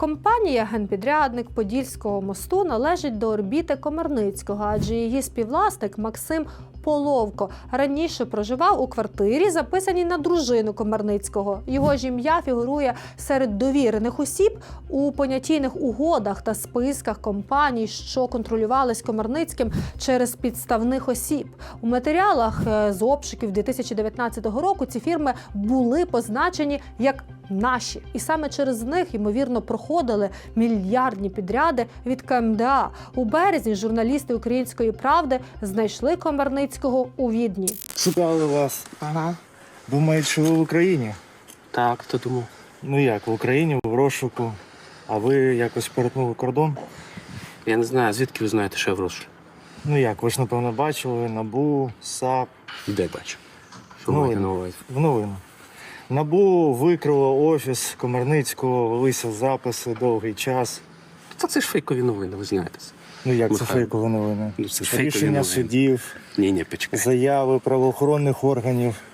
Компанія «Генпідрядник» Подільського мосту належить до орбіти Комарницького, адже її співвласник Максим Половко раніше проживав у квартирі, записаній на дружину Комарницького. Його ж ім'я фігурує серед довірених осіб у понятійних угодах та списках компаній, що контролювались Комарницьким через підставних осіб. У матеріалах з обшуків 2019 року ці фірми були позначені як наші. І саме через них, ймовірно, проходили мільярдні підряди від КМДА. У березні журналісти «Української правди» знайшли Комарницького у Відні. Шукали вас. Ага. Думають, що ви в Україні? Так, хто думав? Ну як, в Україні, в розшуку. А ви якось перетнули кордон? Я не знаю, звідки ви знаєте, що я в розшуку? Ну як, ви ж, напевно, бачили НАБУ, САП. Де бачу? Що маєте на увазі? В новину. НАБУ викрило офіс Комарницького, велися записи довгий час. Та це ж фейкові новини, ви знаєте. Ну як це Михайло. фейкові новини? Ну, це фейкові Рішення новини. судів, Ні, почекай. заяви правоохоронних органів.